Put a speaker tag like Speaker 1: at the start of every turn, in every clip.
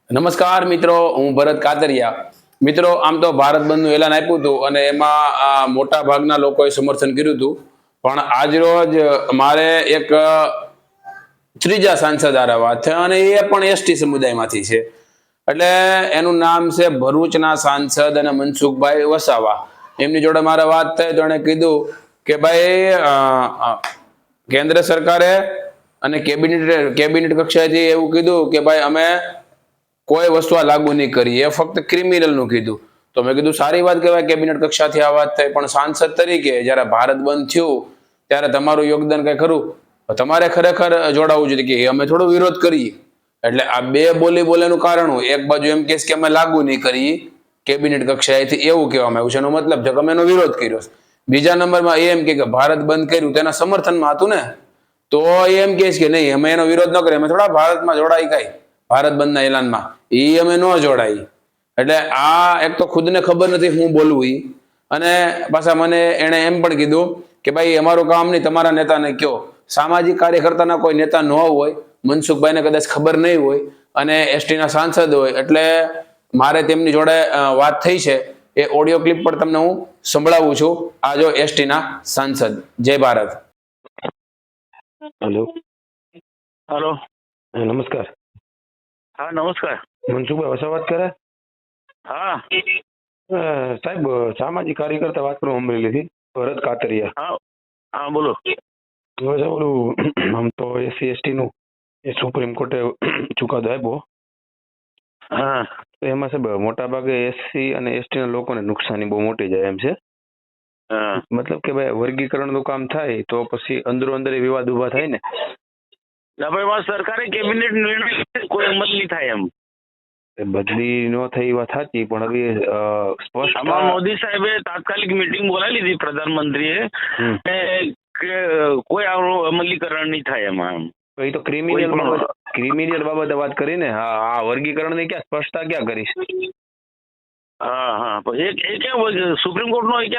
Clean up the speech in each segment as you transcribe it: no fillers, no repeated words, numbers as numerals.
Speaker 1: નમસ્કાર મિત્રો, હું ભરત કાતરિયા. મિત્રો, આમ તો ભારત બંધનું એલાન આપ્યું હતું અને એમાં મોટા ભાગના લોકોએ સમર્થન કર્યું હતું. પણ આજ રોજ મારે એક ત્રીજા સાંસદ હારે વાત છે અને એ પણ એસટી સમુદાયમાંથી છે. એટલે એનું નામ છે ભરૂચના સાંસદ અને મનસુખભાઈ વસાવા. એમની જોડે મારે વાત થઈ તો એણે કીધું કે ભાઈ કેન્દ્ર સરકારે અને કેબિનેટ કક્ષાએથી એવું કીધું કે ભાઈ અમે કોઈ વસ્તુ આ લાગુ નહીં કરી, એ ફક્ત ક્રિમિનલ નું કીધું. તો મેં કીધું સારી વાત કહેવાય, કેબિનેટ કક્ષાથી આ વાત થઈ, પણ સાંસદ તરીકે જ્યારે ભારત બંધ થયું ત્યારે તમારું યોગદાન કઈ ખરું? તમારે ખરેખર જોડાવવું જોઈએ કે અમે થોડો વિરોધ કરીએ. એટલે આ બે બોલેનું કારણ એક બાજુ એમ કે અમે લાગુ નહીં કરીએ કેબિનેટ કક્ષાએથી, એવું કહેવામાં આવ્યું છે. એનો મતલબ છે કે અમે એનો વિરોધ કર્યો. બીજા નંબરમાં એમ કે ભારત બંધ કર્યું તેના સમર્થનમાં હતું ને, તો એમ કે છે કે નહીં અમે એનો વિરોધ ન કરીએ, અમે થોડા ભારતમાં જોડાઈ ગઈ ભારત બંધના એલાનમાં, એ અમે ન જોડાઈ. એટલે આ એક તો ખુદને ખબર નથી હું બોલવું ઈ, અને પાછા મને એને એમ પણ કીધું કે ભાઈ અમારું કામ નહીં, તમારા નેતાને કયો. સામાજિક કાર્યકર્તાના કોઈ નેતા ન હોય, મનસુખભાઈને કદાચ ખબર નહીં હોય અને એસટીના સાંસદ હોય, એટલે મારે તેમની જોડે વાત થઈ છે. એ ઓડિયો ક્લિપ પર તમને હું સંભળાવું છું. આ જો એસટીના સાંસદ. જય ભારત.
Speaker 2: હેલો.
Speaker 3: હેલો.
Speaker 2: નમસ્કાર.
Speaker 3: હા નમસ્કાર.
Speaker 2: મનસુખભાઈ વસાવા વાત કરે?
Speaker 3: હા
Speaker 2: સાહેબ, સામાજિક કાર્યકર્તા વાત કરું અમરેલીથી, ભરત કાતરિયા.
Speaker 3: હા હા બોલો.
Speaker 2: હવે સાહેબ ઓલું આમ તો એસસી એસટી નું એ સુપ્રીમ કોર્ટે ચુકાદો આપ્યો.
Speaker 3: હા
Speaker 2: તો એમાં સાહેબ મોટા ભાગે એસસી અને એસટી ના લોકોને નુકસાની બહુ મોટી જાય એમ છે.
Speaker 3: હા
Speaker 2: મતલબ કે ભાઈ વર્ગીકરણ નું કામ થાય તો પછી અંદરો અંદર વિવાદ ઉભા થાય ને.
Speaker 3: ના ભાઈ વાત સરકારે કેબિનેટ નિર્ણય કોઈ અમલ નહીં થાય એમ.
Speaker 2: બદલી નો થઈ વાત સાચી, પણ હવે સ્પષ્ટ
Speaker 3: આમાં મોદી સાહેબે તાત્કાલિક મીટિંગ બોલાવી લીધી પ્રધાનમંત્રીએ કે કોઈ અમલીકરણ નહીં થાય એમાં એમ.
Speaker 2: તો એ તો ક્રિમિનલ બાબતે વાત કરી ને. હા, વર્ગીકરણ ની ક્યાં સ્પષ્ટતા ક્યાં કરીશ?
Speaker 3: હા હા પણ એ ક્યાં સુપ્રીમ કોર્ટ નો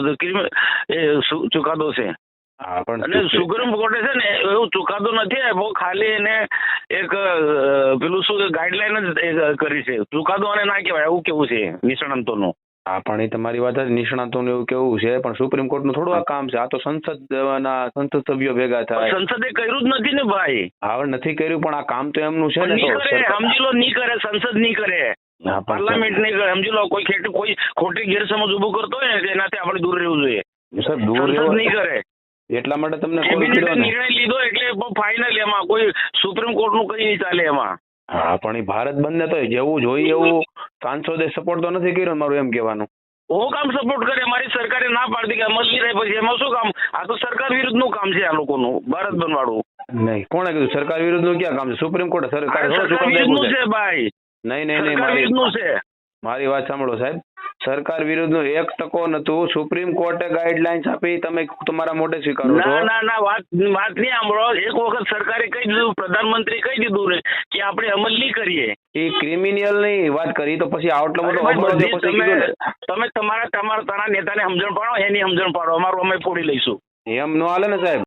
Speaker 3: ક્યાં ચુકાદો છે.
Speaker 2: હા, પણ
Speaker 3: અને સુપ્રીમ કોર્ટે છે ને એવું ચુકાદો નથી આપ્યો, ખાલી એને એક પેલું શું ગાઈડલાઈન જ કરી છે. ચુકાદો અને ના કહેવાય એવું કેવું છે નિષ્ણાંતોનું.
Speaker 2: હા, પણ એ તમારી વાત જ, નિષ્ણાતોનું એવું કેવું છે, પણ સુપ્રીમ કોર્ટ નું થોડું આ કામ છે. આ તો સંસદ સભ્યો ભેગા થાય.
Speaker 3: સંસદે કર્યું જ નથી ને ભાઈ.
Speaker 2: હા, નથી કર્યું, પણ આ કામ તો એમનું છે ને.
Speaker 3: સમજી લો નહીં કરે, સંસદ નહીં કરે, પાર્લામેન્ટ નહીં કરે. સમજી લો કોઈ ખોટી ગેરસમજ ઉભું કરતો હોય ને એનાથી આપણે દૂર રહેવું જોઈએ.
Speaker 2: સાહેબ, દૂર
Speaker 3: સંસદ નહીં કરે.
Speaker 2: એટલા માટે તમને
Speaker 3: નિર્ણય લીધો એટલે ફાઇનલ, એમાં કોઈ સુપ્રીમ કોર્ટ નું કઈ નહીં ચાલે એમાં.
Speaker 2: હા, પણ એ ભારત બંધ તો જેવું જોઈએ એવું સાંસદે સપોર્ટ તો નથી કર્યો, મારું એમ કહેવાનું.
Speaker 3: હું કામ સપોર્ટ કરે? મારી સરકારે ના પાડતી કે અમલ નહીં રહે, પછી એમાં શું કામ? આ તો સરકાર વિરુદ્ધ નું કામ છે આ લોકોનું, ભારત બંધ વાળું.
Speaker 2: નહીં, કોણે કીધું સરકાર વિરુદ્ધ નું ક્યાં કામ છે? સુપ્રીમ કોર્ટ
Speaker 3: સરકાર વિરુદ્ધ નું છે ભાઈ.
Speaker 2: નહીં, મારી વાત સાંભળો સાહેબ. સરકાર વિરુદ્ધ નું 1% નતું. સુપ્રીમ કોર્ટે ગાઈડલાઇન્સ આપી, તમે તમારા મોઢે સ્વીકારો છો?
Speaker 3: ના વાત નહીં સાંભળો. એક વખત સરકારે કહી દીધું, પ્રધાનમંત્રી કહી દીધું ને કે આપણે અમલ નહીં કરીએ.
Speaker 2: એ ક્રિમિનલ ની વાત કરી તો પછી આટલો બધો
Speaker 3: તમે તમારા નેતાને સમજણ પાડો, એની સમજણ પાડો, અમારું અમે ફોડી લઈશું.
Speaker 2: એમ નો હાલે ને સાહેબ.